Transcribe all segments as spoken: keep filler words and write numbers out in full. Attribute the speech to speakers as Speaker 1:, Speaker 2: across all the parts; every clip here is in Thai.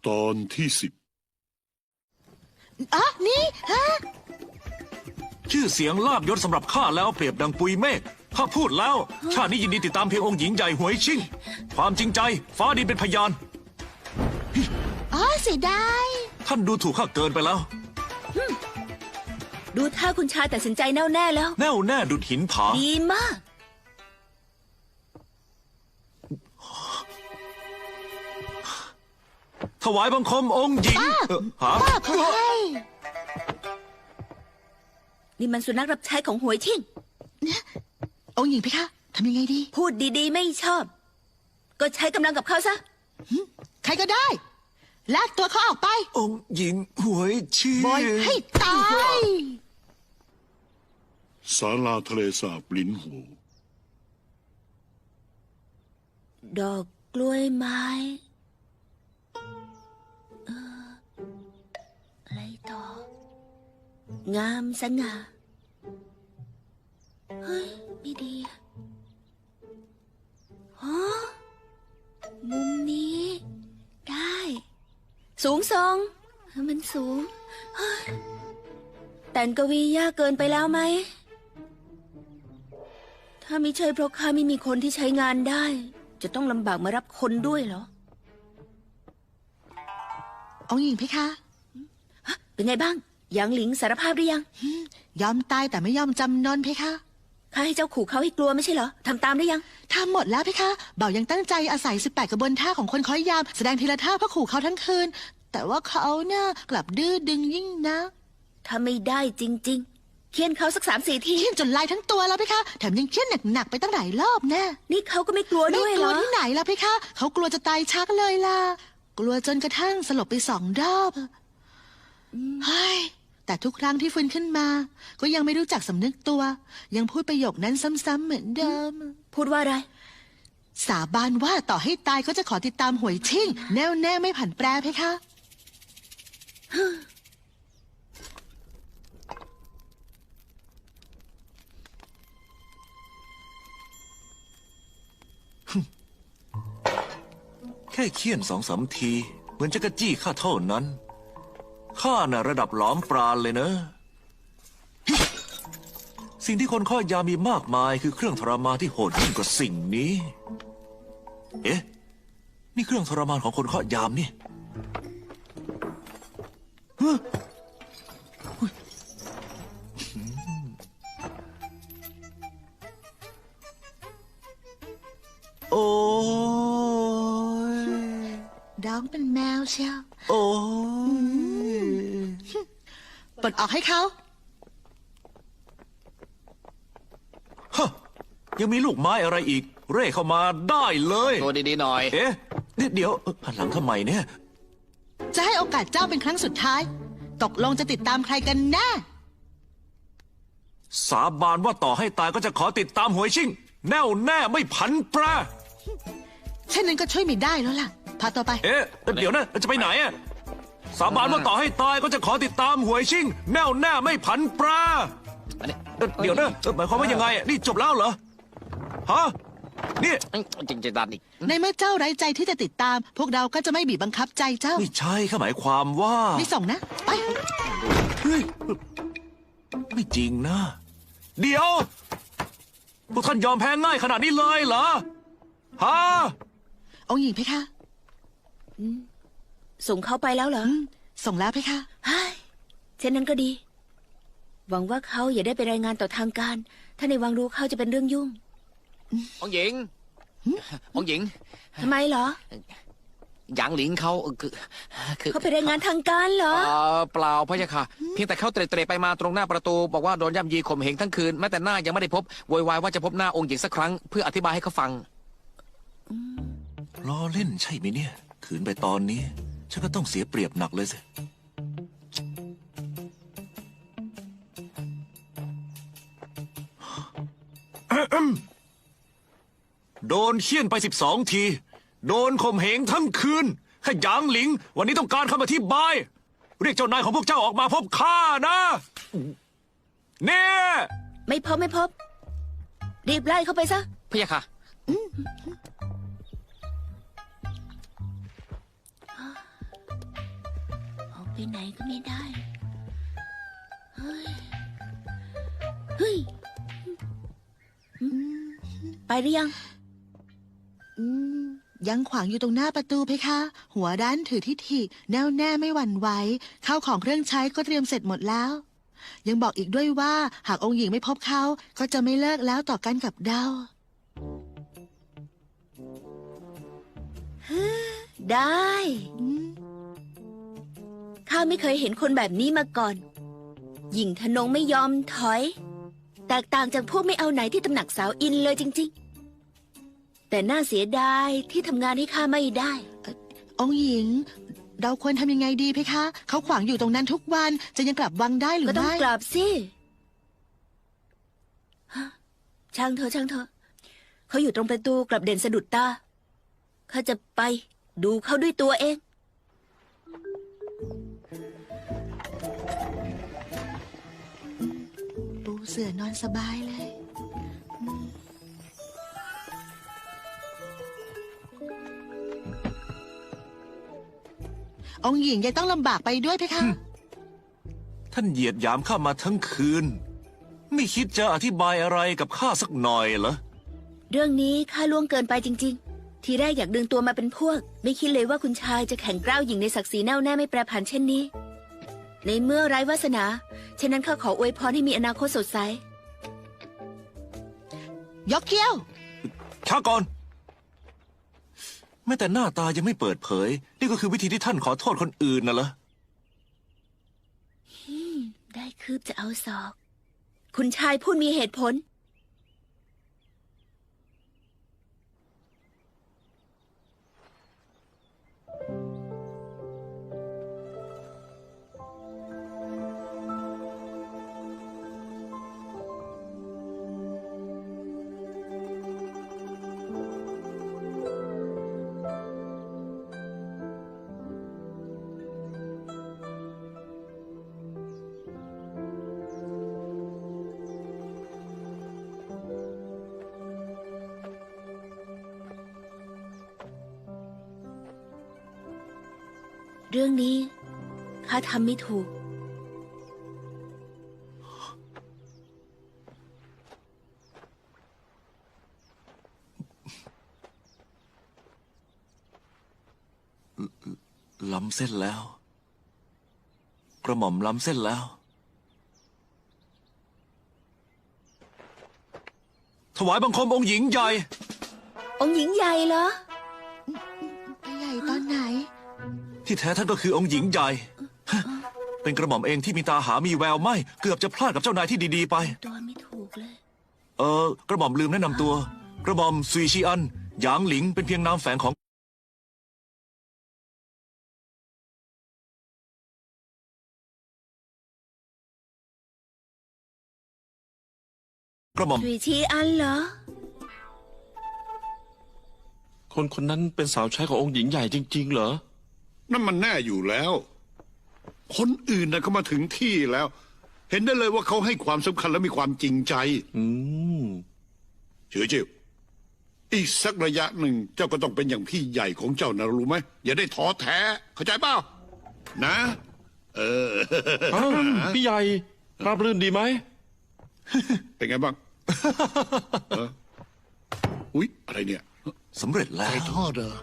Speaker 1: ตอนที่สิบ
Speaker 2: อ๋อนี่ฮะ
Speaker 3: ชื่อเสียงลาบยศสำหรับข้าแล้วเปรียบดังปุยเมฆข้าพูดแล้วชาตินี้ยินดีติดตามเพียงองค์หญิงใหญ่หวยชิ่งความจริงใจฟ้าดินเป็นพยาน
Speaker 2: อ๋อเสียดาย
Speaker 3: ท่านดูถูกข้าเกินไปแล้ว
Speaker 4: ดูท่าคุณชายตัดสินใจแน่วแน่แล้ว
Speaker 3: แน่วแน่ดุดหินผา
Speaker 4: ดีมาก
Speaker 3: ถวายบังคมองค์หญิงเอ่อหา
Speaker 2: ป้าขอให้
Speaker 4: นี่มันสุนัขรับใช้ของหวยชิ่ง
Speaker 2: องค์หญิงเพคะทำยังไงดี
Speaker 4: พูดดีๆไม่ชอบ ก็ใช้กำลังกับเขาซะ
Speaker 2: ใครก็ได้ลากตัวเขาออกไป
Speaker 3: องค์หญิงหวยชิ่ง
Speaker 2: บอยให้ตาย
Speaker 1: ศาลาทะเลสาบลิ้นหู
Speaker 4: ดอกกล้วยไม้เอออะไรต่อ งามสง่าเฮ้ย ไม่ดีอะฮะมุมนี้ ได้ สูงทรงมันสูงเฮ้ยแต่งกวียากเกินไปแล้วไหม ถ้าไม่ใช่เพราะข้าไม่มีคนที่ใช้งานได้ จะต้องลำบากมารับคนด้วยเหรอ
Speaker 2: องค์หญิงเพคะ
Speaker 4: เป็นไงบ้างหยางหลิงสารภาพหรือยัง
Speaker 2: ยอมตายแต่ไม่ยอมจำนนเพคะ
Speaker 4: ข้าให้เจ้าขู่เขาให้กลัวไม่ใช่เหรอทำตามได้ยัง
Speaker 2: ทำหมดแล้วเพคะเบายังตั้งใจอาศัยสิบแปดกระบวนท่าของคนคอยยามแสดงทีละท่าเพื่อขู่เขาทั้งคืน แต่ว่าเขาเนี่ยกลับดื้อดึงยิ่งนะ
Speaker 4: ถ้าไม่ได้จริง ๆ เคี่ยนเขาสักสามสี่ที
Speaker 2: เขี้ยนจนลายทั้งตัวแล้วเพคะแถมยังเขี้ยนหนักๆไปตั้งหลายรอบแน่
Speaker 4: นี่เขาก็ไม่กลัว
Speaker 2: ไม่
Speaker 4: ด้วย
Speaker 2: ก
Speaker 4: เห
Speaker 2: ลั
Speaker 4: ร
Speaker 2: ว
Speaker 4: อ
Speaker 2: ที่ไหนล่ะเพคะเขากลัวจะตายชักเลยล่ะกลัวจนกระทั่งสลบไปสองรอบเฮ้ยแต่ทุกครั้งที่ฟื้นขึ้นมา ก็ยังไม่รู้จักสำนึกตัว ยังพูดประโยคนั้นซ้ำๆเหมือนเดิม
Speaker 4: พูดว่าอะไร
Speaker 2: สาบานว่าต่อให้ตายก็จะขอติดตามหวยชิ่ง แน่วแน่ไม่ผันแปรเพคะ
Speaker 3: แค่เคี่ยนสองสามที เหมือนจะกระจี้ข้าเท่านั้นข้าน่ะระดับหลอมปราณเลยนะ สิ่งที่คนข้อยามีมากมายคือเครื่องทรมานที่โหดยิ่งกว่าสิ่งนี้ เอ๊ะ นี่เครื่องทรมานของคนข้อยามนี่เฮ้ยโอ้ย
Speaker 2: ร้องเป็นแมวเชียว
Speaker 3: โอ้ย
Speaker 2: ปลดออกให้เขา
Speaker 3: ฮะยังมีลูกไม้อะไรอีก เร่เข้ามาได้เลย
Speaker 5: ตัวดีๆหน่อย
Speaker 3: เอ๊ะเดี๋ยวเดี๋ยวหันหลังทำไมเนี่ย
Speaker 2: จะให้โอกาสเจ้าเป็นครั้งสุดท้าย ตกลงจะติดตามใครกันแน่
Speaker 3: สาบานว่าต่อให้ตายก็จะขอติดตามหวยชิ่ง แน่วแน่ไม่ผันแปร
Speaker 2: เช่นนั้นก็ช่วยไม่ได้แล้วล่ะ พาตัวไป
Speaker 3: เอ๊ะเดี๋ยวนะจะไปไหนอะสาบานว่าต่อให้ตายก็จะขอติดตามหวยชิ่ง แน่วแน่ไม่ผันแปร
Speaker 5: อันนี้
Speaker 3: เอ่อเดี๋ยวนะเอ่อหมายความว่ายังไงอะนี่จบแล้วเหรอฮะนี่
Speaker 5: จริงจะดันอีก
Speaker 2: ในเมื่อเจ้าไร้ใจที่จะติดตาม พวกเราก็จะไม่บีบบังคับใจเจ้า
Speaker 3: ไม่ใช่ข้าหมายความว่า
Speaker 2: ไม่ส่งนะ ไป
Speaker 3: เฮ้ยไม่จริงนะ เดี๋ยวพวกท่านยอมแพ้ง่ายขนาดนี้เลยเหรอฮะ
Speaker 2: องค์หญิงเพคะ
Speaker 4: ส่งเขาไปแล้วเหรอ
Speaker 2: อืมส่งแล้วเพคะ
Speaker 4: เฮ้ยเช่นนั้นก็ดี หวังว่าเขาอย่าได้ไปรายงานต่อทางการ ถ้าในวังรู้เขาจะเป็นเรื่องยุ่ง
Speaker 5: องหญิง องหญิง
Speaker 4: ทำไมเหรอ
Speaker 5: หยางหลิงเขาคือคือ
Speaker 4: เขาไปรายงานทางการเหรอ
Speaker 5: เอ่อเปล่าพะยะค่ะ เพียงแต่เขาเตร็ดๆไปมาตรงหน้าประตู บอกว่าโดนย่ำยีข่มเหงทั้งคืนแม้แต่หน้ายังไม่ได้พบโวยวายว่าจะพบหน้าองค์หญิงสักครั้งเพื่ออธิบายให้เขาฟัง
Speaker 3: ล้อเล่นใช่ไหมเนี่ย ขืนไปตอนนี้ ฉันก็ต้องเสียเปรียบหนักเลยสิ โดนเคี่ยนไปสิบสองที โดนข่มเหงทั้งคืนข้าหยางหลิง วันนี้ต้องการคำอธิบาย เรียกเจ้านายของพวกเจ้าออกมาพบข้านะเนี่ย
Speaker 4: ไม่พบไม่พบ รีบไล่เขาไปซะ
Speaker 5: พะยะค่ะ
Speaker 4: ไปไหนก็ไม่ได้ เฮ้ย เฮ้ย ไปหรือยัง
Speaker 2: อืมยังขวางอยู่ตรงหน้าประตูเพคะ หัวด้านถือทิฐิแน่วแน่ไม่หวั่นไหวข้าวของเครื่องใช้ก็เตรียมเสร็จหมดแล้ว ยังบอกอีกด้วยว่าหากองค์หญิงไม่พบเขาก็จะไม่เลิกแล้วต่อกันกับเดา
Speaker 4: ได้
Speaker 2: อืม
Speaker 4: ข้าไม่เคยเห็นคนแบบนี้มาก่อน หญิงทนงไม่ยอมถอย แตกต่างจากพวกไม่เอาไหนที่ตำหนักสาวอินเลยจริงๆ แต่น่าเสียดายที่ทำงานให้ข้าไม่ได้
Speaker 2: องค์หญิง เราควรทำยังไงดีเพคะ เขาขวางอยู่ตรงนั้นทุกวันจะยังกลับวังได้หรือ
Speaker 4: ก็ต้อง
Speaker 2: ไม่
Speaker 4: กลับสิฮะช่างเถอะช่างเถอะเขาอยู่ตรงประตูกลับเด่นสะดุดตาข้าจะไปดูเขาด้วยตัวเอง
Speaker 2: ปูเสื่อนอนสบายเลยอืมองค์หญิงยังต้องลำบากไปด้วยเพคะ
Speaker 3: ท่านเหยียดหยามข้ามาทั้งคืน ไม่คิดจะอธิบายอะไรกับข้าสักหน่อยเหรอ
Speaker 4: เรื่องนี้ข้าล่วงเกินไปจริง ๆ ทีแรกอยากดึงตัวมาเป็นพวก ไม่คิดเลยว่าคุณชายจะแข่งกล้าวหญิงในศักดิ์ศรีแน่วแน่ไม่แปรผันเช่นนี้ ในเมื่อไร้วาสนาฉะนั้นข้าขออวยพรให้มีอนาคตสดใส
Speaker 2: ยกเกี้ยว
Speaker 3: ช้าก่อน แม้แต่หน้าตายังไม่เปิดเผย นี่ก็คือวิธีที่ท่านขอโทษคนอื่นน่ะเหรอ
Speaker 4: ได้คืบจะเอาศอก คุณชายพูดมีเหตุผล เรื่องนี้ข้าทำไม่ถูก
Speaker 3: ล้ำเส้นแล้ว กระหม่อมล้ำเส้นแล้ว ถวายบังคมองค์หญิงใหญ่
Speaker 4: องค์หญิงใหญ่เหรอ
Speaker 2: ไปใหญ่ตอนไหน
Speaker 3: ที่แท้ท่านก็คือองค์หญิงใหญ่ฮะเป็นกระหม่อมเองที่มีตาหามีแววไม่ เกือบจะพลาดกับเจ้านายที่ดีๆไป
Speaker 4: ตัวไม่ถูกเลย
Speaker 3: เออกระหม่อมลืมแนะนำตัว กระหม่อมซุยชีอัน หยางหลิงเป็นเพียงนามแฝงของกระหม่อม
Speaker 4: สุยชีอันเหรอ
Speaker 6: คนคนนั้นเป็นสาวใช้ขององค์หญิงใหญ่จริง ๆ เหรอ
Speaker 1: นั่นมันแน่อยู่แล้ว คนอื่นน่ะก็มาถึงที่แล้ว เห็นได้เลยว่าเขาให้ความสำคัญและมีความจริงใจ
Speaker 6: อืม
Speaker 1: เฉยจิวอีกสักระยะหนึ่งเจ้าก็ต้องเป็นอย่างพี่ใหญ่ของเจ้านะรู้ไหมอย่าได้ท้อแท้ เข้าใจเปล่านะ เออ
Speaker 6: อ้าวพี่ใหญ่ราบรื่นดีไหม
Speaker 1: เป็นไงบ้างเอออุ๊ยอะไรเนี่ย
Speaker 3: สำเร็จแล้ว
Speaker 1: ไก่ทอดเหรอ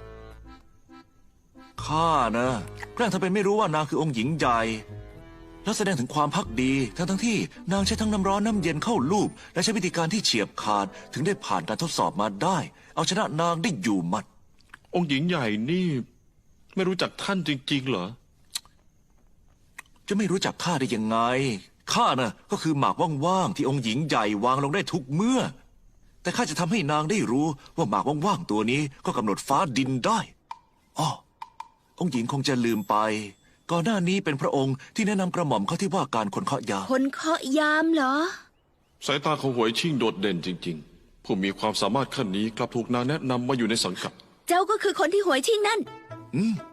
Speaker 3: ข้านะแกล้งทำเป็นไม่รู้ว่านางคือองค์หญิงใหญ่ แล้วแสดงถึงความพักดี ทั้งทั้งที่นางใช้ทั้งน้ำร้อนน้ำเย็นเข้าลูบและใช้วิธีการที่เฉียบขาด ถึงได้ผ่านการทดสอบมาได้ เอาชนะนางได้อยู่หมัด
Speaker 6: องค์หญิงใหญ่นี่ ไม่รู้จักท่านจริง ๆ เหรอ
Speaker 3: จะไม่รู้จักข้าได้ยังไง ข้าน่ะก็คือหมากว่างๆที่องค์หญิงใหญ่วางลงได้ทุกเมื่อ แต่ข้าจะทำให้นางได้รู้ว่าหมากว่างๆตัวนี้ก็กำหนดฟ้าดินได้อ้อองค์หญิงคงจะลืมไป ก่อนหน้านี้เป็นพระองค์ที่แนะนำกระหม่อมเข้าที่ว่าการคนเคาะยา
Speaker 4: คนเคาะยามเหรอ
Speaker 6: สายตาของหวยชิ่งโดดเด่นจริง ๆ ผู้มีความสามารถขั้นนี้กลับถูกนางแนะนำมาอยู่ในสังกัด
Speaker 4: เจ้าก็คือคนที่หวยชิงนั่น
Speaker 3: อืม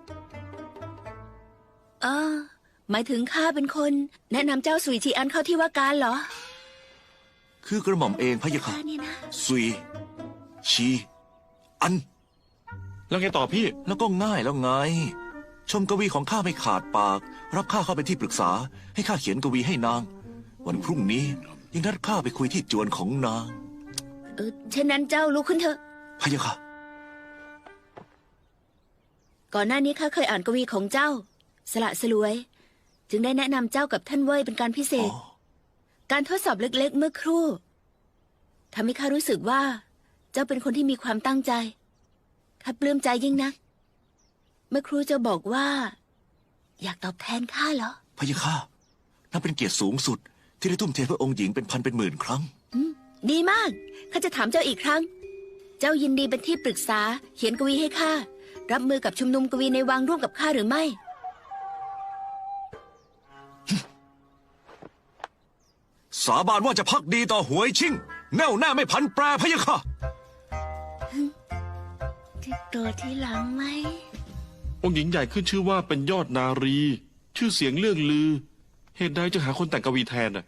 Speaker 4: เออหมายถึงข้าเป็นคน แนะนำเจ้าสุยชีอันเข้าที่ว่าการเหรอ
Speaker 3: คือกระหม่อมเองพะยะค่ะ
Speaker 4: ข้าเนี่ยนะ
Speaker 3: ซุย ชี อัน
Speaker 6: แล้วไงต่อพี่
Speaker 3: แล้วก็ง่ายแล้วไงชมกวีของข้าไม่ขาดปาก รับข้าเข้าเป็นที่ปรึกษา ให้ข้าเขียนกวีให้นาง วันพรุ่งนี้ยังนัดข้าไปคุยที่จวนของนาง
Speaker 4: เออเช่นนั้นเจ้าลุกขึ้นเถอะ
Speaker 3: พะยะค่ะ
Speaker 4: ก่อนหน้านี้ข้าเคยอ่านกวีของเจ้า สละสลวย จึงได้แนะนำเจ้ากับท่านเว่ยเป็นการพิเศษ
Speaker 3: อ๋อ
Speaker 4: การทดสอบเล็กๆ เมื่อครู่ทำให้ข้ารู้สึกว่า เจ้าเป็นคนที่มีความตั้งใจข้าปลื้มใจยิ่งนัก เมื่อครู่เจ้าบอกว่า อยากตอบแทนข้าเหรอ
Speaker 3: พะยะค่ะนับเป็นเกียรติสูงสุด ที่ได้ทุ่มเทเพื่อองค์หญิงเป็นพันเป็นหมื่นครั้ง
Speaker 4: ดีมาก ข้าจะถามเจ้าอีกครั้ง เจ้ายินดีเป็นที่ปรึกษา เขียนกวีให้ข้า รับมือกับชุมนุมกวีในวังร่วมกับข้าหรือไม่
Speaker 3: สาบานว่าจะพักดีต่อหวยชิ่ง แน่วแน่ไม่พันแปรพะยะค่ะ
Speaker 4: ที่ตัวที่หลังไหม
Speaker 6: องค์หญิงใหญ่ขึ้นชื่อว่าเป็นยอดนารี ชื่อเสียงเรื่องลือ เหตุใดจะหาคนแต่งกวีแทนน่ะ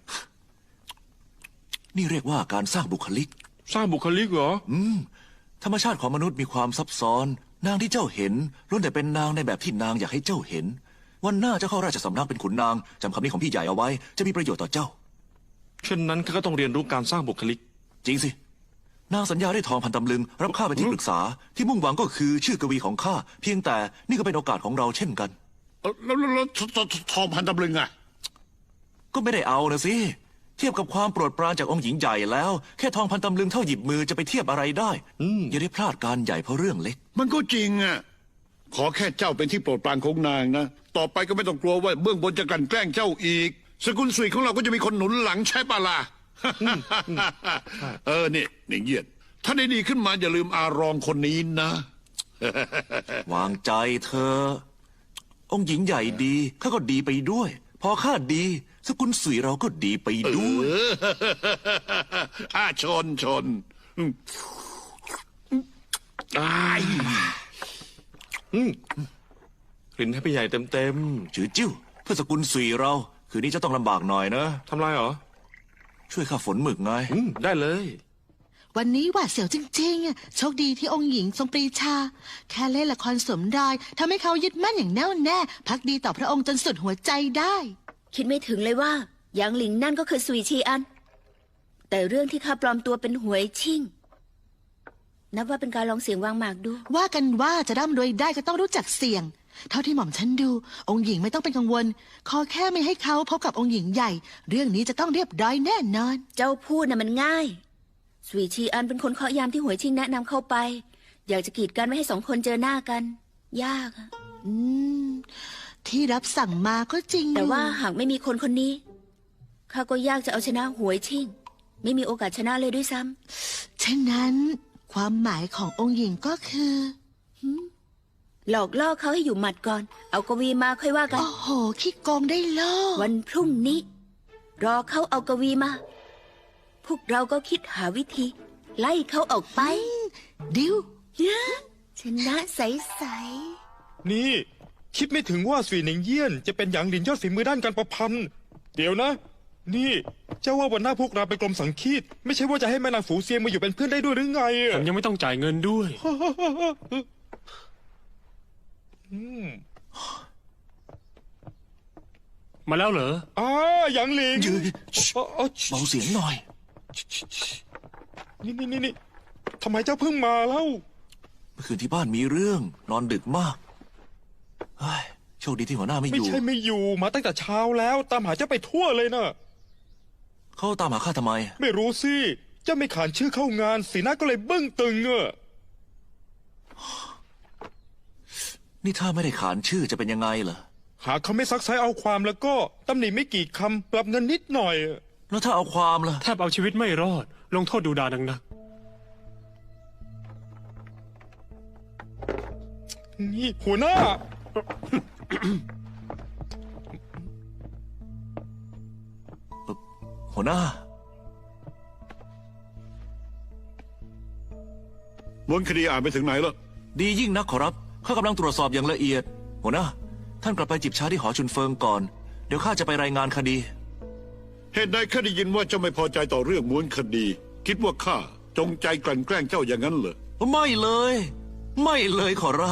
Speaker 3: นี่เรียกว่าการสร้างบุคลิก
Speaker 6: สร้างบุคลิกเหรอ
Speaker 3: อืม ธรรมชาติของมนุษย์มีความซับซ้อน นางที่เจ้าเห็นล้วนแต่เป็นนางในแบบที่นางอยากให้เจ้าเห็น วันหน้าเจ้าเข้าราชสำนักเป็นขุนนางจำคำนี้ของพี่ใหญ่เอาไว้ จะมีประโยชน์ต่อเจ้า
Speaker 6: เช่นนั้นข้าก็ต้องเรียนรู้การสร้างบุคลิก
Speaker 3: จริงสิ นางสัญญาได้ทองพันตำลึง รับข้าเป็นที่ปรึกษา ที่มุ่งหวังก็คือชื่อกวีของข้า เพียงแต่นี่ก็เป็นโอกาสของเราเช่นกัน
Speaker 1: เอ้าแล้วแล้วแล้วททททองพันตำลึงอะ
Speaker 3: ก็ไม่ได้เอานะสิ เทียบกับความโปรดปรานจากองค์หญิงใหญ่แล้ว แค่ทองพันตำลึงเท่าหยิบมือจะไปเทียบอะไรได้
Speaker 6: อืม
Speaker 3: อย่าได้พลาดการใหญ่เพราะเรื่องเล็ก
Speaker 1: มันก็จริงอะขอแค่เจ้าเป็นที่โปรดปรานของนางนะ ต่อไปก็ไม่ต้องกลัวว่าเบื้องบนจะกลั่นแกล้งเจ้าอีก สกุลสุยของเราก็จะมีคนหนุนหลังใช่ปะล่ะ เออนี่นี่เยียดถ้าได้ดีขึ้นมาอย่าลืมอารองคนนี้นะ
Speaker 3: วางใจเธอ องค์หญิงใหญ่ดีข้าก็ดีไปด้วย พอข้าดี สกุลสุยเราก็ดีไปด้วย
Speaker 1: อาชนชนอืมอ้าย
Speaker 6: รินให้พี่ใหญ่เต็มเต็ม
Speaker 3: จือจิ้วเพื่อสกุลสุยเรา คืนนี้จะต้องลำบากหน่อยนะ
Speaker 6: ๆทำไรเหรอ
Speaker 3: ช่วยข้าฝนหมึกไง
Speaker 6: อืมได้เลย
Speaker 2: วันนี้หวาดเสียวจริงๆอะโชคดีที่องค์หญิงทรงปรีชา แค่เล่นละครสวมรอยทำให้เขายึดมั่นอย่างแน่วแน่ พักดีต่อพระองค์จนสุดหัวใจได้
Speaker 4: คิดไม่ถึงเลยว่าหยางหลิงนั่นก็คือสุยชีอัน แต่เรื่องที่ข้าปลอมตัวเป็นหวยชิ่ง นับว่าเป็นการลองเสียงวางหมากดู
Speaker 2: ว่ากันว่าจะร่ำรวยได้ก็ต้องรู้จักเสี่ยง เท่าที่หม่อมฉันดู องค์หญิงไม่ต้องเป็นกังวล ขอแค่ไม่ให้เขาพบกับองค์หญิงใหญ่ เรื่องนี้จะต้องเรียบร้อยแน่นอน
Speaker 4: เจ้าพูดน่ะมันง่าย สุยชีอันเป็นคนเคาะยามที่หวยชิงแนะนำเข้าไป อยากจะกีดกันไม่ให้สองคนเจอหน้ากัน ยากอะ
Speaker 2: อืม ที่รับสั่งมาก็จริงอยู่
Speaker 4: แต่ว่าหากไม่มีคนคนนี้ข้าก็ยากจะเอาชนะหวยชิง ไม่มีโอกาสชนะเลยด้วยซ้ำ
Speaker 2: ฉะนั้นความหมายขององค์หญิงก็คือ
Speaker 4: หลอกล่อเขาให้อยู่หมัดก่อน เอากวีมาค่อยว่ากัน
Speaker 2: โอ้โหขี้โกงได้โลก
Speaker 4: วันพรุ่งนี้ รอเขาเอากวีมา พวกเราก็คิดหาวิธี ไล่เขาออกไป
Speaker 2: ดิว
Speaker 4: ชนะใส
Speaker 7: นี่ คิดไม่ถึงว่าสุยหนิงเยี่ยนจะเป็นหยางหลินยอดฝีมือด้านการประพันธ์ เดี๋ยวนะ นี่ เจ้าว่าวันหน้าพวกเราไปกรมสังคีต ไม่ใช่ว่าจะให้แม่นางฝูเซียงมาอยู่เป็นเพื่อนได้ด้วยหรือไงอะ
Speaker 8: ผมยังไม่ต้องจ่ายเงินด้วย มาแล้วเหรอ
Speaker 7: อ่าหยางหลิง
Speaker 3: ยืน
Speaker 7: อ๋ออ๋อ
Speaker 3: เบาเสียงหน่อย
Speaker 7: นี่นี่นี่นี่ทำไมเจ้าเพิ่งมาเล่า
Speaker 3: เมื่อคืนที่บ้านมีเรื่อง นอนดึกมากเฮ้ยโชคดีที่หัวหน้าไม่อ
Speaker 7: ไม่
Speaker 3: ยู่
Speaker 7: ใช่ไม่อยู่มาตั้งแต่เช้าแล้ว ตามหาเจ้าไปทั่วเลยนะ
Speaker 3: เขาตามหาข้าทำไม
Speaker 7: ไม่รู้สิ เจ้าไม่ขานชื่อเข้างาน สีหน้าก็เลยบึ้งตึงอะ
Speaker 3: นี่ถ้าไม่ได้ขานชื่อจะเป็นยังไงเหรอ
Speaker 7: หากเขาไม่ซักไซเอาความแล้วก็ตำหนิไม่กี่คำปรับเงินนิดหน่อยอะ
Speaker 3: แล้วถ้าเอาความล่ะ
Speaker 8: แทบเอาชีวิตไม่รอด ลงโทษดูดานักนัก
Speaker 7: นี่หัวหน้า
Speaker 3: หัวหน้า
Speaker 1: ม้วนคดีอ่านไปถึงไหนแล้ว
Speaker 3: ดียิ่งนักขอรับข้ากำลังตรวจสอบอย่างละเอียด หัวหน้า ท่านกลับไปจิบชาที่หอชุนเฟิงก่อน เดี๋ยวข้าจะไปรายงานคดี
Speaker 1: เหตุใดข้าได้ยินว่าเจ้าไม่พอใจต่อเรื่องม้วนคดี คิดว่าข้าจงใจกลั่นแกล้งเจ้าอย่างนั้นเหรอ
Speaker 3: ไม่เลย ไม่เลยขอรับ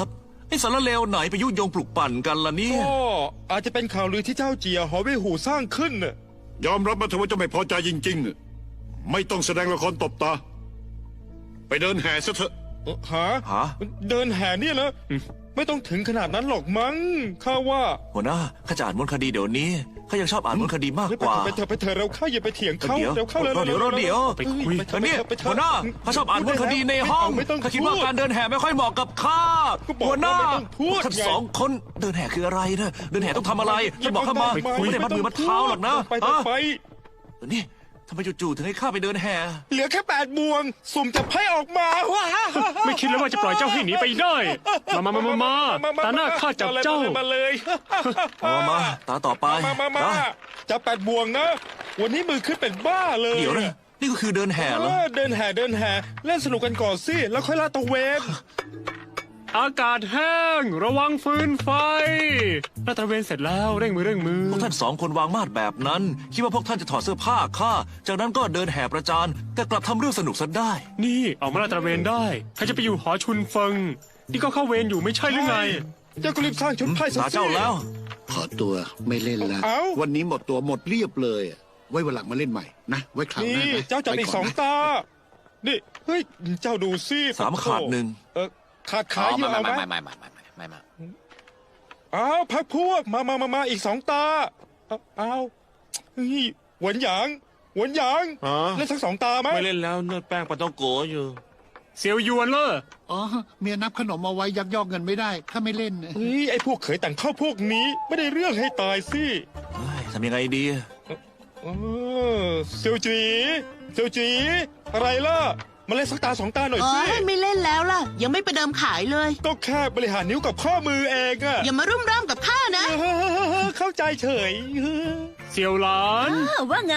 Speaker 3: ไอ้สารเลวไหนไปยุยงปลุกปั่นกันล่ะเนี่ย
Speaker 7: ก็อาจจะเป็นข่าวลือที่เจ้าเจียหอเว่ยหูสร้างขึ้นน่ะ
Speaker 1: ยอมรับมาเถอะว่าเจะไม่พอใจจริงๆ ไม่ต้องแสดงละครตบตา ไปเดินแห่ซะเถอะ
Speaker 7: เอ่อหา
Speaker 3: ฮะ
Speaker 7: เดินแห่เนี่ยนะไม่ต้องถึงขนาดนั้นหรอกมั้งข้าว่า
Speaker 3: หัวหน้าข้าจะอ่านมนต์คดีเดี๋ยวนี้ข้ายังชอบอ่านมนต์คดีมาก
Speaker 7: เฮ้ย
Speaker 3: กว่า
Speaker 7: ไปเถอะไปเถอะเราเข้าอย่าไปเถียงเขา
Speaker 3: เดี๋ยว
Speaker 7: เดี๋ยวเข้าเลย
Speaker 3: เดี๋ยวเดี๋ยวเดี๋ยว
Speaker 8: ไปคุย
Speaker 7: ไปเถ
Speaker 3: อั
Speaker 7: อะ
Speaker 3: นนี้
Speaker 7: ไปเถอะ
Speaker 3: หัวหน้าข้าชอบอ่านมนต์คดีในห้อง
Speaker 7: ไม่ต้อง
Speaker 3: ข้าคิดว่า
Speaker 7: พู
Speaker 3: การเดินแห่ไม่ค่อยเหมาะกับข้า
Speaker 7: ก็บอก
Speaker 3: หัวหน้า
Speaker 7: ว่าไม่ต้องพูด
Speaker 3: ท่าน
Speaker 7: ไง
Speaker 3: สองคนเดินแห่คืออะไรนะเดินแห่ต้องทำอะไรท่านบอกข้ามา
Speaker 7: ไปคุย
Speaker 3: ไม่ได้มัดมือมัดเท้าหรอกนะ
Speaker 7: ไปต่อ
Speaker 3: ฮะ
Speaker 7: ไป
Speaker 3: นี่ทำไมจู่ๆถึงให้ข้าไปเดินแห่
Speaker 7: เหลือแค่แปดบวง สุ่มจับไพ่ออกมาว้า
Speaker 8: ไม่คิดเลยว่าจะปล่อยเจ้าให้หนีไปได้ มามามามามาตาหน้าข้าจับเจ้า
Speaker 7: มาเลย
Speaker 3: เอามาตาต่อไป
Speaker 7: มามามา
Speaker 3: นะ
Speaker 7: จับแปดบวงนะ วันนี้มือขึ้นเป็นบ้าเลย
Speaker 3: เดี๋ยวนะนี่ก็คือเดินแห่เหรอ
Speaker 7: เออเดินแห่เดินแห่เล่นสนุกกันก่อนสิแล้วค่อยลาดตระเวน
Speaker 8: อากาศแห้ง ระวังฟืนไฟลาดตระเวนเสร็จแล้วเร่งมือเร่งมือ
Speaker 3: พวกท่านสองคนวางมาดแบบนั้น คิดว่าพวกท่านจะถอดเสื้อผ้าข้าจากนั้นก็เดินแห่ประจานแต่กลับทำเรื่องสนุกซะได้
Speaker 8: นี่ออกมาลาดตระเวนได้ใครจะไปอยู่หอชุนเฟิง นี่ก็เข้าเวรอยู่ไม่ใช่หรือไง
Speaker 7: เจ้าก็รีบสร้างชุดไพ่ซะ
Speaker 3: ตา
Speaker 7: สิ
Speaker 3: เจ้าแล้ว
Speaker 1: ขอตัวไม่เล่นแล้ว
Speaker 7: เอ้า
Speaker 1: วันนี้หมดตัวหมดเรียบเลย ไว้วันหลังมาเล่นใหม่นะ ไว้คราวหน้า
Speaker 7: นี่
Speaker 1: นะ
Speaker 7: เจ้าจับอีก
Speaker 1: ไป
Speaker 7: ส
Speaker 1: น
Speaker 7: อง
Speaker 1: นะ
Speaker 7: ตา นี่เฮ้ยเจ้าดูสิ
Speaker 3: สามขาดหนึ่ง
Speaker 7: เออขาดขา
Speaker 5: อ๋อ
Speaker 7: เย
Speaker 5: ไม่
Speaker 7: อะเอาไหม
Speaker 5: ไม่ไม่ไม่ไม่ไม่ไม่ไม่
Speaker 7: อ้าวพักพวกมามามามาอีกสองตาเอาอ้าวเฮ้ยหวนหยางหวนหยาง
Speaker 6: อ๋อ
Speaker 7: เล่นสักสองตาไหม
Speaker 6: ไม่เล่นแล้วเนื้อแป้งปลาต้องโกอยู่
Speaker 8: เซียวยวนเลอ
Speaker 1: อ๋อ เมียนับขนมเอาไว้ยักยอกเงินไม่ได้ข้าไม่เล่น
Speaker 7: เฮ้ยไอ้พวกเขยแต่งเข้าพวกนี้ไม่ได้เรื่องให้ตายสิ
Speaker 3: เฮ้ยทำยังไงดี
Speaker 7: เออเซียวจีเซียวจีอะไรล่ะมาเล่นสักตาสองตาหน่อย
Speaker 2: เอ
Speaker 7: สิ
Speaker 2: อไม่เล่นแล้วล่ะ ยังไม่ไปเดิมขายเลย
Speaker 7: ก็แค่บริหารนิ้วกับข้อมือเองอะ
Speaker 2: อย่ามารุ่มร่ามกับข้านะ
Speaker 7: เออเข้าใจเฉย
Speaker 8: เซียวหลาน
Speaker 4: อ้าวว่าไง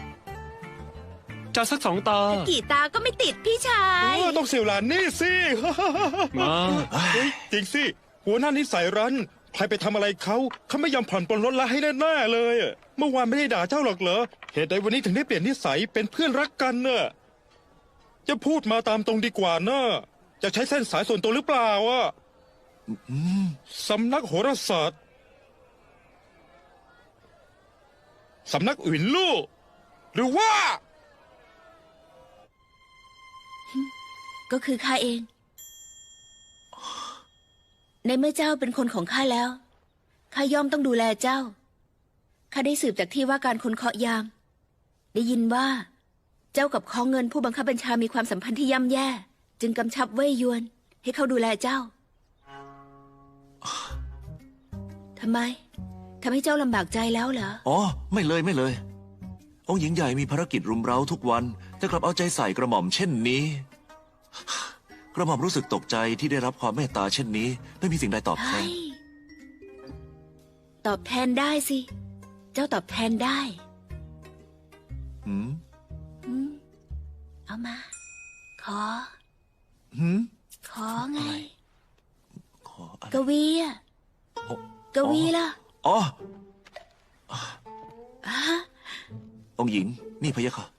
Speaker 8: จะสักสองตา
Speaker 4: กี่ตาก็ไม่ติดพี่ชา
Speaker 7: เอย อต้องเสี่ยวหลานนี่สิ
Speaker 8: มา
Speaker 7: เฮ้ยจริงสิ หัวหน้านิสัยรั้น ใครไปทำอะไรเขาเขาไม่ยอมผ่อนปลนลดละให้แน่ๆเลยอะเมื่อวานไม่ได้ด่าเจ้าหรอกเหรอ เหตุใดวันนี้ถึงได้เปลี่ยนนิสัยเป็นเพื่อนรักกันเน่ะจะพูดมาตามตรงดีกว่าเน่ะจะใช้เส้นสายส่วนตัวหรือเปล่าอ่ะสำนักโหราศาสตร์สำนักอื่นลู่หรือว่า
Speaker 4: ก็คือข้าเอง ในเมื่อเจ้าเป็นคนของข้าแล้ว ข้าย่อมต้องดูแลเจ้า ข้าได้สืบจากที่ว่าการคนเคาะยาม ได้ยินว่า เจ้ากับข้อเงินผู้บังคับบัญชามีความสัมพันธ์ที่ย่ำแย่ จึงกำชับเว่ยยวน ให้เขาดูแลเจ้า ทำไม ทำให้เจ้าลำบากใจแล้วเหรอ
Speaker 3: อ๋อ ไม่เลยไม่เลย องค์หญิงใหญ่มีภารกิจรุมเร้าทุกวัน แต่กลับเอาใจใส่กระหม่อมเช่นนี้ กระหม่อมรู้สึกตกใจที่ได้รับความเมตตาเช่นนี้ ไม่มีสิ่งใดตอบแท
Speaker 4: เฮ้
Speaker 3: น
Speaker 4: ย ตอบแทนได้สิ เจ้าตอบแทนได้
Speaker 3: หืม
Speaker 4: อืมเอามา ขอ
Speaker 3: หืม
Speaker 4: ขอไง
Speaker 3: ขออะไร
Speaker 4: กวีอะกวีล่ะ
Speaker 3: อ๋อ
Speaker 4: ฮะ
Speaker 3: องค์หญิง นี่พะยะค่ะ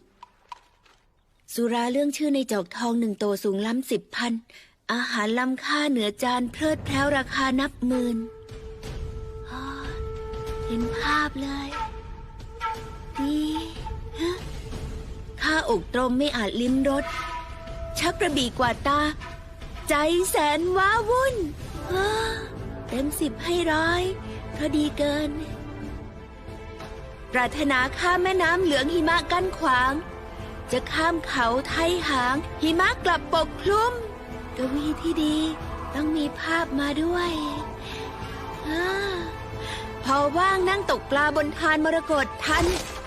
Speaker 4: สุราเรื่องชื่อในจอกทองหนึ่งโตสูงล้ำสิบพัน อาหารล้ำค่าเหนือจานเพลิดเพล้าราคานับหมื่นอ๋อเห็นภาพเลยนี่ฮะข้าอกตรมไม่อาจลิ้มรสชักกระบี่กว่าตา ใจแสนว้าวุ่นอ้าเต็มสิบให้ร้อยเพราะดีเกิน ปรารถนาข้ามแม่น้ำเหลืองหิมะกั้นขวาง จะข้ามเขาไทยหาง หิมะกลับปกคลุม กวีที่ดีต้องมีภาพมาด้วยอาพอว่างนั่งตกปลาบนทานมรกตทัน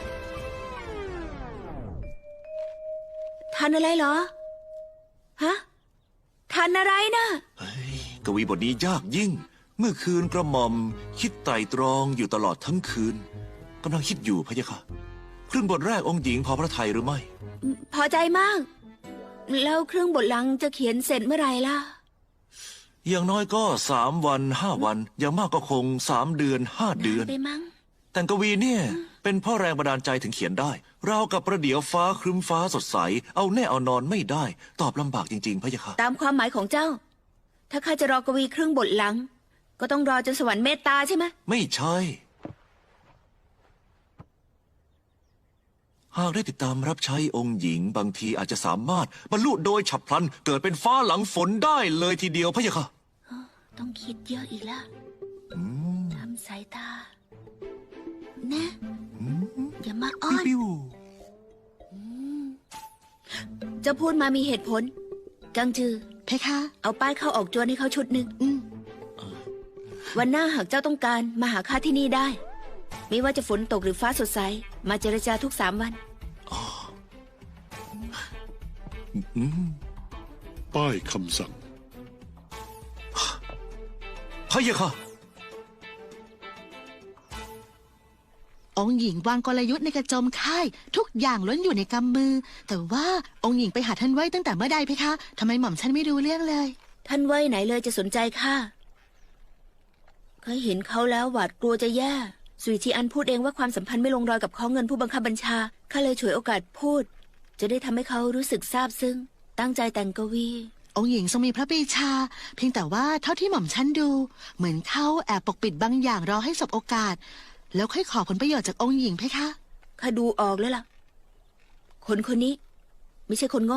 Speaker 4: ทันอะไรเหรอ ฮะ ทันอะไรนะ
Speaker 3: เฮ้ยกวีบทนี้ยากยิ่ง เมื่อคืนกระหม่อม คิดไตร่ตรองอยู่ตลอดทั้งคืนกำลังคิดอยู่พะยะค่ะครึ่งบทแรกองค์หญิงพอพระทัยหรือไม่
Speaker 4: พอใจมาก แล้วเครื่องบทหลังจะเขียนเสร็จเมื่อไหร่ล่ะ
Speaker 3: อย่างน้อยก็สามวันห้าวัน อย่างมากก็คงสามเดือนห้าเดือน
Speaker 4: ไปมั้ง
Speaker 3: แต่งกวีเนี่ย เป็นเพ่อแรงบันดาลใจถึงเขียนได้ เราวกับประเดี๋ยวฟ้าครึ้มฟ้าสดใส เอาแน่เอานอนไม่ได้ ตอบลำบากจริงๆพะยะค่ะ
Speaker 4: ตามความหมายของเจ้าถ้าข้าจะรอกวีครึ่งบทหลัง ก็ต้องรอจนสวรรค์เมตตาใช่ไหม
Speaker 3: ไม่ใช่ หากได้ติดตามรับใช้องค์หญิงบางทีอาจจะสามารถบรรลุโดยฉับพลันเกิดเป็นฟ้าหลังฝนได้เลยทีเดียวพะยะค่ะ
Speaker 4: ต้องคิดเยอะอีกแล้วทำสายตา นะ อย่ามาอ้อน
Speaker 3: ปิ้ว
Speaker 4: เจะพูดมามีเหตุผล กังจือ
Speaker 2: เพคะ
Speaker 4: เอาป้ายเข้าออกจวนให้เขาชุดหนึ่ง
Speaker 2: อืม
Speaker 4: วันหน้าหากเจ้าต้องการมาหาข้าที่นี่ได้ ไม่ว่าจะฝนตกหรือฟ้าสดใส มาเจรจาทุกสามวัน
Speaker 1: ป้ายคำสั่ง
Speaker 3: พะยะค่ะ
Speaker 2: องค์หญิงวางกลยุทธ์ในกระโจมค่าย ทุกอย่างล้วนอยู่ในกำมือ แต่ว่าองค์หญิงไปหาท่านไว้ตั้งแต่เมื่อใดเพคะทำไมหม่อมฉันไม่รู้เรื่องเลย
Speaker 4: ท่านไว้ไหนเลยจะสนใจข้าเคยเห็นเขาแล้วหวาดกลัวจะแย่สุยทีอันพูดเองว่าความสัมพันธ์ไม่ลงรอยกับข้อเงินผู้บังคับบัญชาข้าเลยฉวยโอกาสพูด จะได้ทำให้เขารู้สึกซาบซึ้งตั้งใจแต่งกวี
Speaker 2: องค์หญิงทรงมีพระปรีชา เพียงแต่ว่าเท่าที่หม่อมฉันดู เหมือนเขาแอบปกปิดบางอย่างรอให้สบโอกาส แล้วค่อยขอผลประโยชน์จากองค์หญิงเพคะ
Speaker 4: ข้าดูออกแล้วล่ะ คนคนนี้ ไม่ใช่คนโง่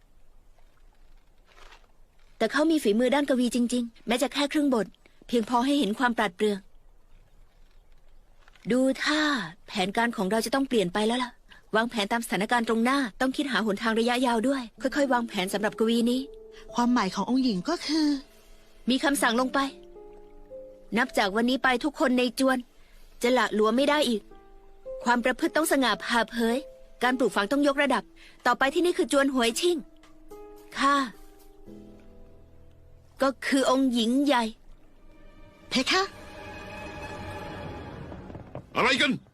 Speaker 4: แต่เขามีฝีมือด้านกวีจริงๆ แม้จะแค่ครึ่งบท เพียงพอให้เห็นความปราดเปรื่อง ดูท่าแผนการของเราจะต้องเปลี่ยนไปแล้วล่ะ วางแผนตามสถานการณ์ตรงหน้า ต้องคิดหาหนทางระยะยาวด้วย ค่อยๆ วางแผนสำหรับกวีนี้
Speaker 2: ความหมายขององค์หญิงก็คือ
Speaker 4: มีคำสั่งลงไป นับจากวันนี้ไปทุกคนในจวน จะละหลวมไม่ได้อีก ความประพฤติต้องสง่าผ่าเผย การปลูกฝังต้องยกระดับ ต่อไปที่นี่คือจวนหวยชิ่งข้าก็คือองค์หญิงใหญ่
Speaker 2: เพคะ
Speaker 1: อะไรกัน